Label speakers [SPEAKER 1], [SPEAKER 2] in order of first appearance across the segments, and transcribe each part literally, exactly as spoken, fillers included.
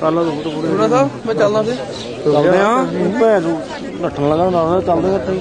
[SPEAKER 1] कल
[SPEAKER 2] थोड़ा सा मैं चलना फिर
[SPEAKER 1] चलते हैं भैन नट्ठन लगा चलते करते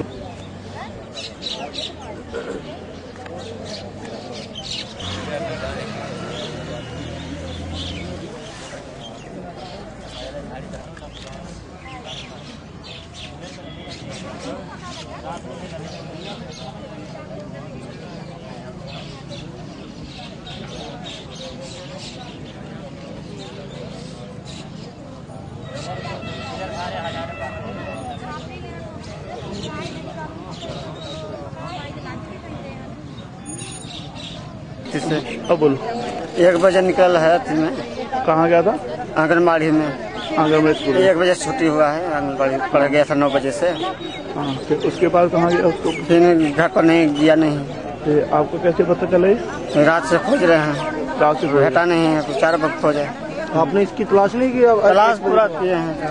[SPEAKER 1] अब बोलो।
[SPEAKER 3] एक बजे निकल है मैं।
[SPEAKER 1] कहाँ गया था?
[SPEAKER 3] आंगनबाड़ी में।
[SPEAKER 1] आंगनबाड़ी स्कूल।
[SPEAKER 3] एक बजे छुट्टी हुआ है, आंगनबाड़ी पढ़ गया था नौ बजे से।
[SPEAKER 1] हाँ, फिर उसके बाद कहाँ गया उसको?
[SPEAKER 3] फिर घर पर नहीं गया नहीं।
[SPEAKER 1] तो आपको कैसे पता चले?
[SPEAKER 3] रात से खोज रहे हैं,
[SPEAKER 1] रात से
[SPEAKER 3] भेटा नहीं है, कुछ चार वक्त खोजे।
[SPEAKER 1] आपने इसकी तलाश नहीं की?
[SPEAKER 3] तलाश पूरा किए हैं।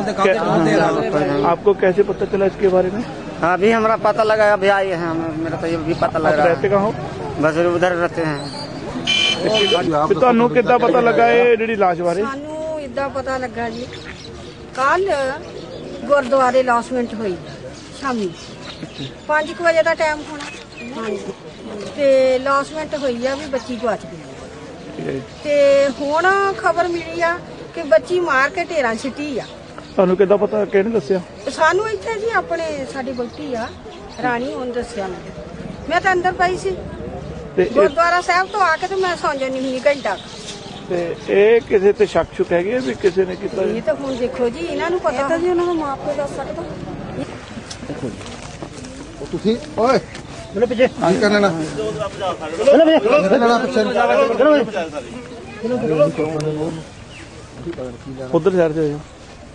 [SPEAKER 1] आपको कैसे पता चला इसके बारे में?
[SPEAKER 3] हाँ, अभी हमारा पता लगा, अभी आए हैं, मेरा तो ये भी पता लग रहा है।
[SPEAKER 1] रहते कहाँ हो?
[SPEAKER 3] बस उधर रहते हैं।
[SPEAKER 1] ਤੁਹਾਨੂੰ ਕਿੱਦਾਂ ਪਤਾ ਲੱਗਾ ਇਹ ਜਿਹੜੀ ਲਾਸ਼ ਬਾਰੇ?
[SPEAKER 4] ਸਾਨੂੰ ਇਦਾਂ ਪਤਾ ਲੱਗਾ ਜੀ, ਕੱਲ ਗੁਰਦੁਆਰੇ ਲੌਸਮੈਂਟ ਹੋਈ ਸ਼ਾਮੀ ਪੰਜ ਵਜੇ ਦਾ ਟਾਈਮ ਹੋਣਾ। ਹਾਂਜੀ, ਤੇ ਲੌਸਮੈਂਟ ਹੋਈ ਆ ਵੀ ਬੱਚੀ ਗਵਾਚ ਗਈ ਤੇ ਹੁਣ ਖਬਰ ਮਿਲੀ ਆ ਕਿ ਬੱਚੀ ਮਾਰ ਕੇ ਢੇਰਾਂ ਸਿੱਟੀ ਆ।
[SPEAKER 1] ਤੁਹਾਨੂੰ ਕਿੱਦਾਂ ਪਤਾ, ਕਿਹਨੇ ਦੱਸਿਆ?
[SPEAKER 4] ਸਾਨੂੰ ਇੱਥੇ ਜੀ ਆਪਣੇ ਸਾਡੀ ਬਲਟੀ ਆ ਰਾਣੀ, ਉਹਨੇ ਦੱਸਿਆ। ਮੈਨੂੰ ਮੈਂ ਤਾਂ ਅੰਦਰ ਪਈ ਸੀ ਗੁਰਦੁਆਰਾ ਸਾਹਿਬ ਤੋਂ ਆ ਕੇ, ਤੇ ਮੈਂ ਸੌਂ ਜਾਂਦੀ ਹੁੰਦੀ ਘੰਟਾ।
[SPEAKER 1] ਤੇ ਇਹ ਕਿਸੇ ਤੇ ਸ਼ੱਕ ਸ਼ੁਕ ਹੈਗੀ ਵੀ ਕਿਸੇ ਨੇ ਕੀਤਾ?
[SPEAKER 4] ਇਹ ਤਾਂ ਹੁਣ ਦੇਖੋ ਜੀ, ਇਹਨਾਂ ਨੂੰ ਪਤਾ ਜੀ, ਉਹਨਾਂ ਦਾ ਮਾਂ ਪਿਓ ਦੱਸ ਸਕਦਾ।
[SPEAKER 5] ਤੁਸੀਂ ਓਏ ਚਲੋ ਪਿੱਛੇ ਆਂ ਕਰ ਲੈਣਾ, ਚਲੋ ਪਿੱਛੇ ਲੈਣਾ ਪਿੱਛੇ, ਚਲੋ
[SPEAKER 1] ਉਧਰ ਸਾਈਡ ਤੇ ਜਾਓ।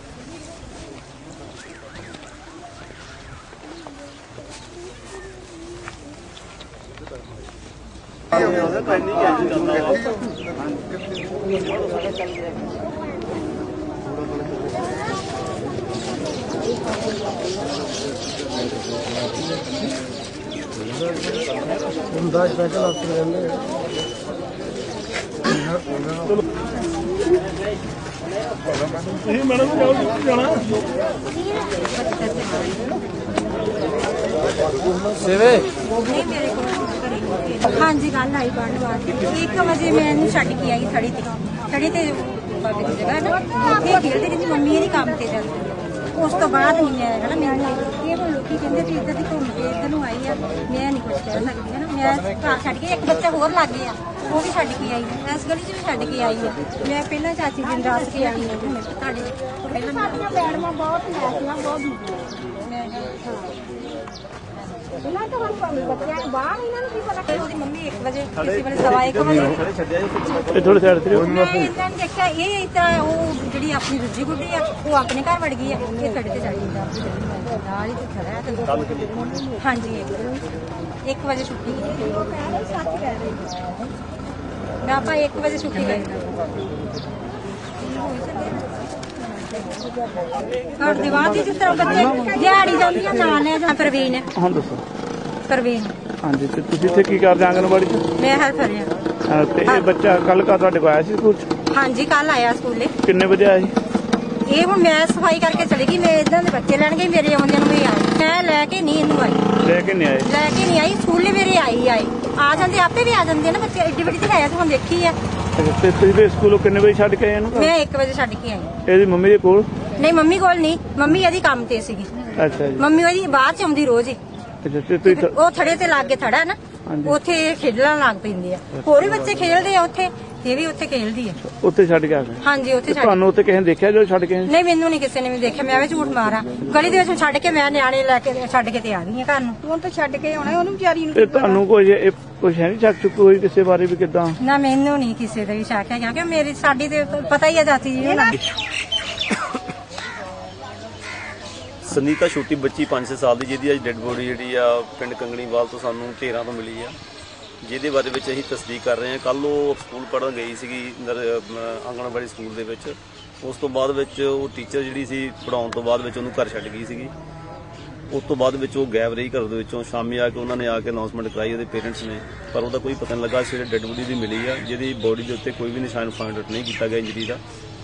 [SPEAKER 1] मैडम जाना
[SPEAKER 6] हाँ जी, कल आई बाढ़ बाढ़ एक बजे मैं छड़ के आई थड़ी ते थड़ी ते बाबे की जगह ना उत्थे खेलते रही मम्मी ये काम ते चलती उस तो बाद नहीं है ना। मैंने ये लोग कहते थे इधर की घूम के इधर आई है, मैं नहीं कुछ कह सकती है ना। मैं घर छड़ के एक बच्चा होर लग गया, वो भी छड़ के आई है, इस गली च भी छड़ के आई है। मैं पहला चाची दिन रात के आई है मैडम बहुत मम्मी एक बजे किसी बजे सवा एक बजे
[SPEAKER 1] थोड़े साइड ते
[SPEAKER 6] देखा ये इतना वो जी अपनी दूजी गुड्डी है वो अपने घर वड़ गई है, ये खड़े ते चढ़ गई। हाँ जी, एक बजे छुट्टी मैं आप एक बजे छुट्टी गई और दीवार दी जिस तरह बच्चे दिहाड़ी जाती है नाल है। जहाँ प्रवीण है।
[SPEAKER 1] हाँ दसो।
[SPEAKER 6] प्रवीण।
[SPEAKER 1] हाँ जी, ते तुसीं इत्थे की करदे आंगनबाड़ी च?
[SPEAKER 6] मैं हेल्पर हां।
[SPEAKER 1] ते ये बच्चा कल का तुहाडे कोल आया सी स्कूल च?
[SPEAKER 6] हाँ जी, कल आया स्कूले।
[SPEAKER 1] किन्ने बजे आया सी?
[SPEAKER 6] ये हूँ मैं सफाई करके चली गई, मैं इधर के बच्चे लैन गई, मेरे आउंदे नूं आई मैं लैके नहीं इनू आई,
[SPEAKER 1] लैके नहीं आए
[SPEAKER 6] लैके नहीं आई स्कूले मेरे आई आई आ जाते आपे भी आ जाते ना बच्चे, एड्डी बड़ी तो है तो हम देखी है।
[SPEAKER 1] ते तुसीं स्कूलों किन्ने बजे छड्ड के आए इहनूं?
[SPEAKER 6] मैं एक बजे छड्ड के आई।
[SPEAKER 1] ਇਹਦੀ ਮੰਮੀ ਦੇ ਕੋਲ?
[SPEAKER 6] नहीं मम्मी कोल नहीं, मम्मी ਇਹਦੀ ਕੰਮ ਤੇ ਸੀਗੀ।
[SPEAKER 1] ਅੱਛਾ ਜੀ।
[SPEAKER 6] ਮੰਮੀ ਉਹਦੀ ਬਾਅਦ ਚ ਆਉਂਦੀ ਰੋਜ਼ ਹੀ।
[SPEAKER 1] ਅੱਛਾ ਤੇ ਤੁਸੀਂ
[SPEAKER 6] ਉਹ ਥੜੇ ਤੇ ਲੱਗ ਕੇ ਥੜਾ ਨਾ ਉੱਥੇ ਖੇਡਣ ਲੱਗ ਪੈਂਦੇ ਆ, ਹੋਰ ਵੀ ਬੱਚੇ ਖੇਡਦੇ ਆ ਉੱਥੇ, ਇਹ ਵੀ ਉੱਥੇ ਖੇਡਦੀ ਆ।
[SPEAKER 1] ਉੱਥੇ ਛੱਡ ਕੇ ਆ ਗਏ?
[SPEAKER 6] ਹਾਂਜੀ ਉੱਥੇ ਛੱਡ।
[SPEAKER 1] ਤੁਹਾਨੂੰ ਉੱਥੇ ਕਿਸੇ ਨੇ ਦੇਖਿਆ ਜਦੋਂ ਛੱਡ ਕੇ?
[SPEAKER 6] ਨਹੀਂ ਮੈਨੂੰ ਨਹੀਂ ਕਿਸੇ ਨੇ ਵੀ ਦੇਖਿਆ, ਮੈਂ ਵੀ ਝੂਠ ਮਾਰਾਂ ਗਲੀ ਦੇ ਵਿੱਚ ਛੱਡ ਕੇ ਮੈਂ ਨਿਆਣੇ ਲੈ ਕੇ ਛੱਡ ਕੇ ਤੇ ਆ ਗਈ ਆ ਘਰ ਨੂੰ।
[SPEAKER 4] ਹੁਣ ਤਾਂ ਛੱਡ ਕੇ ਆਉਣਾ ਉਹਨੂੰ ਵਿਚਾਰੀ ਨੂੰ।
[SPEAKER 1] ਤੇ ਤੁਹਾਨੂੰ ਕੋਈ ਕੁਛ ਹੈ ਨਹੀਂ ਸ਼ੱਕ ਸ਼ੁਕ ਹੋਈ ਕਿਸੇ ਬਾਰੇ ਵੀ ਕਿੱਦਾਂ?
[SPEAKER 6] ਨਾ ਮੈਨੂੰ ਨਹੀਂ ਕਿਸੇ ਦਾ ਵੀ ਸ਼ੱਕ ਹੈ ਕਿਉਂਕਿ ਮੇਰੀ ਸਾਡੀ ਤੇ ਪਤਾ ਹੀ ਆ ਜਾਤੀ ਜੀ ਨਾ।
[SPEAKER 7] ਸੁਨੀਤਾ ਛੋਟੀ ਬੱਚੀ ਪੰਜ ਛੇ ਸਾਲ ਦੀ ਜਿਹਦੀ ਅੱਜ ਡੈੱਡ ਬੋਡੀ ਜਿਹੜੀ ਆ ਪਿੰਡ ਕੰਗਣੀਵਾਲ ਤੋਂ ਸਾਨੂੰ ਢੇਰਾਂ ਤੋਂ ਮਿਲੀ ਆ, ਜਿਹਦੇ ਬਾਰੇ ਵਿੱਚ ਅਸੀਂ ਤਸਦੀਕ ਕਰ ਰਹੇ ਹਾਂ। ਕੱਲ੍ਹ ਉਹ ਸਕੂਲ ਪੜ੍ਹਨ ਗਈ ਸੀਗੀ ਆਂਗਣਵਾੜੀ ਸਕੂਲ ਦੇ ਵਿੱਚ, ਉਸ ਤੋਂ ਬਾਅਦ ਵਿੱਚ ਉਹ ਟੀਚਰ ਜਿਹੜੀ ਸੀ ਪੜ੍ਹਾਉਣ ਤੋਂ ਬਾਅਦ ਵਿੱਚ ਉਹਨੂੰ ਘਰ ਛੱਡ ਗਈ ਸੀਗੀ। ਉਸ ਤੋਂ ਬਾਅਦ ਵਿੱਚ ਉਹ ਗਾਇਬ ਰਹੀ ਘਰ ਦੇ ਵਿੱਚੋਂ। ਸ਼ਾਮੀ ਆ ਕੇ ਉਹਨਾਂ ਨੇ ਆ ਕੇ ਅਨਾਉਂਸਮੈਂਟ ਕਰਾਈ ਉਹਦੇ ਪੇਰੈਂਟਸ ਨੇ, ਪਰ ਉਹਦਾ ਕੋਈ ਪਤਾ ਨਹੀਂ ਲੱਗਾ। ਸਵੇਰੇ ਡੈੱਡ ਬੋਡੀ ਦੀ ਮਿਲੀ ਆ, ਜਿਹਦੀ ਬੋਡੀ ਦੇ ਉੱਤੇ ਕੋਈ ਵੀ ਨਿਸ਼ਾਨ ਫਾਈਂਡ ਆਊਟ ਨਹੀਂ ਕੀਤਾ ਗਿਆ ਇੰਜਰੀ ਦਾ।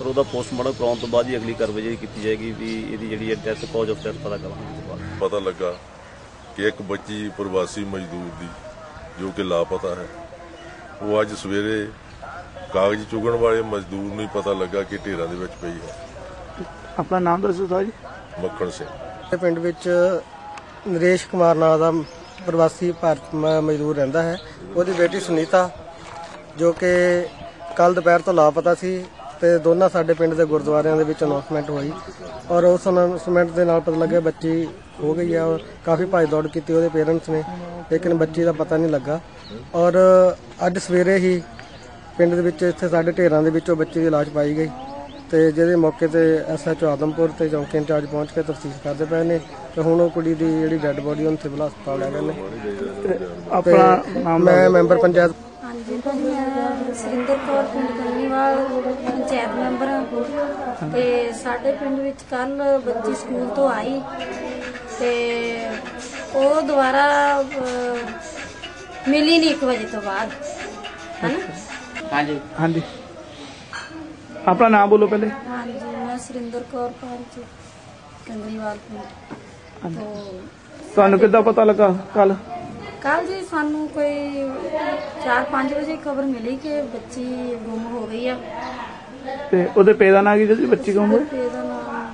[SPEAKER 7] ਪਰ ਉਹਦਾ ਪੋਸਟਮਾਰਟਮ ਕਰਾਉਣ ਤੋਂ ਬਾਅਦ ਹੀ ਅਗਲੀ ਕਾਰਵਾਈ ਜਿਹੜੀ ਕੀਤੀ ਜਾਏਗੀ ਵੀ ਇਹਦੀ ਜਿਹੜੀ ਡੈਥ ਕਾਜ਼ ਆਫ ਡੈਥ ਪਤਾ ਕਰਾਉਣ ਤੋਂ ਬਾਅਦ
[SPEAKER 8] ਪਤਾ ਲੱਗਾ ਕਿ ਇੱਕ ਬੱਚੀ ਪ੍ਰਵਾਸੀ ਮਜ਼ਦੂਰ ਦੀ ਜੋ ਕਿ ਲਾਪਤਾ ਹੈ, ਉਹ ਅੱਜ ਸਵੇਰੇ ਕਾਗਜ਼ ਚੁਗਣ ਵਾਲੇ ਮਜ਼ਦੂਰ ਨੂੰ ਹੀ ਪਤਾ ਲੱਗਾ ਕਿ ਢੇਰਾਂ ਦੇ ਵਿੱਚ ਪਈ ਹੈ।
[SPEAKER 1] ਆਪਣਾ ਨਾਮ ਦੱਸੋ ਸਰ ਜੀ।
[SPEAKER 8] ਮੱਖਣ ਸਿੰਘ।
[SPEAKER 5] ਪਿੰਡ ਵਿੱਚ ਨਰੇਸ਼ ਕੁਮਾਰ ਨਾਂ ਦਾ ਪ੍ਰਵਾਸੀ ਭਾਰਤ ਮ- ਮਜ਼ਦੂਰ ਰਹਿੰਦਾ ਹੈ। ਉਹਦੀ ਬੇਟੀ ਸੁਨੀਤਾ ਜੋ ਕਿ ਕੱਲ ਦੁਪਹਿਰ ਤੋਂ ਲਾਪਤਾ ਸੀ ਤੇ ਦੋਨਾਂ ਸਾਡੇ ਪਿੰਡ ਦੇ ਗੁਰਦੁਆਰਿਆਂ ਦੇ ਵਿੱਚ ਅਨਾਉਂਸਮੈਂਟ ਹੋਈ ਔਰ ਉਸ ਅਨਾਉਂਸਮੈਂਟ ਦੇ ਨਾਲ ਪਤਾ ਲੱਗਿਆ ਬੱਚੀ ਹੋ ਗਈ ਆ। ਔਰ ਕਾਫੀ ਭੱਜ ਦੌੜ ਕੀਤੀ ਉਹਦੇ ਪੇਰੈਂਟਸ ਨੇ, ਲੇਕਿਨ ਬੱਚੀ ਦਾ ਪਤਾ ਨਹੀਂ ਲੱਗਾ। ਔਰ ਅੱਜ ਸਵੇਰੇ ਹੀ ਪਿੰਡ ਦੇ ਵਿੱਚ ਇੱਥੇ ਸਾਡੇ ਢੇਰਾਂ ਦੇ ਵਿੱਚੋਂ ਬੱਚੀ ਦੀ ਲਾਸ਼ ਪਾਈ ਗਈ ਤੇ ਜਿਹਦੇ ਮੌਕੇ ਤੇ ਐਸ ਐਚ ਓ ਆਦਮਪੁਰ ਤੇ ਚੌਂਕੀ ਇੰਚਾਰਜ ਪਹੁੰਚ ਕੇ ਤਫਤੀਸ਼ ਕਰਦੇ ਪਏ ਨੇ ਤੇ ਹੁਣ ਉਹ ਕੁੜੀ ਦੀ ਜਿਹੜੀ ਡੈੱਡ ਬੋਡੀ ਉਹਨੂੰ ਸਿਵਲ ਹਸਪਤਾਲ ਲੈ ਗਏ ਨੇ।
[SPEAKER 1] ਆਪਣਾ ਨਾਮ
[SPEAKER 5] ਮੈਂ ਮੈਂਬਰ ਪੰਚਾਇਤ
[SPEAKER 6] ਹਾਂਜੀ ਭਾਜੀ, ਮੈਂ ਸੁਰਿੰਦਰ ਕੌਰ ਪਿੰਡ ਕੰਨੀਵਾਲ ਪੰਚਾਇਤ ਮੈਂਬਰ ਹਾਂ ਤੇ ਸਾਡੇ ਪਿੰਡ ਵਿੱਚ ਕੱਲ ਬੱਚੀ ਸਕੂਲ ਤੋਂ ਆਈ ਤੇ ਉਹ ਦੁਬਾਰਾ ਅਹ, ਮਿਲੀ ਨਹੀਂ ਇੱਕ ਵਜੇ ਤੋਂ ਬਾਅਦ, ਹੈ ਨਾ?
[SPEAKER 3] हाँ जी
[SPEAKER 1] ਹਾਂਜੀ ਆਪਣਾ ਨਾਮ ਬੋਲੋ ਪਹਿਲੇ।
[SPEAKER 6] ਹਾਂਜੀ, ਮੈਂ ਸੁਰਿੰਦਰ ਕੌਰ ਪੰਚ ਕੰਨੀਵਾਲ ਪਿੰਡ ਤੋਂ।
[SPEAKER 1] ਤੁਹਾਨੂੰ ਕਿੱਦਾਂ ਪਤਾ ਲੱਗਾ ਕੱਲ?
[SPEAKER 6] ਕੱਲ ਜੀ ਸਾਨੂੰ ਕੋਈ ਚਾਰ ਪੰਜ ਵਜੇ ਖਬਰ ਮਿਲੀ ਕਿ ਬੱਚੀ ਗੁੰਮ ਹੋ ਗਈ ਆ।
[SPEAKER 1] ਤੇ ਉਹਦੇ ਪੇ ਦਾ ਨਾਂ ਕੀ ਜੀ ਬੱਚੀ ਕੌਣ ਹੋਈ?
[SPEAKER 6] ਤੇ ਇਹਦਾ ਨਾਮ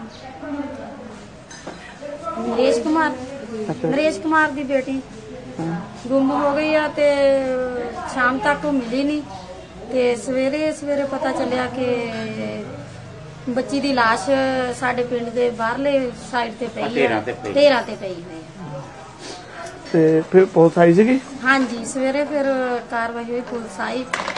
[SPEAKER 6] ਨਰੇਸ਼ ਕੁਮਾਰ, ਨਰੇਸ਼ ਕੁਮਾਰ ਦੀ ਬੇਟੀ ਗੁੰਮ ਹੋ ਗਈ ਆ ਤੇ ਸ਼ਾਮ ਤੱਕ ਉਹ ਮਿਲੀ ਨਹੀਂ ਤੇ ਸਵੇਰੇ ਸਵੇਰੇ ਪਤਾ ਚੱਲਿਆ ਕਿ ਬੱਚੀ ਦੀ ਲਾਸ਼ ਸਾਡੇ ਪਿੰਡ ਦੇ ਬਾਹਰਲੇ ਸਾਈਡ ਤੇ ਪਈ ਹੈ, ਢੇਰਾਂ ਤੇ ਪਈ ਹੋਈ ਹੈ।
[SPEAKER 1] ਤੇ ਫਿਰ ਪੁਲਿਸ ਆਈ ਸੀਗੀ?
[SPEAKER 6] ਹਾਂਜੀ, ਸਵੇਰੇ ਫਿਰ ਕਾਰਵਾਈ ਹੋਈ, ਪੁਲਿਸ ਆਈ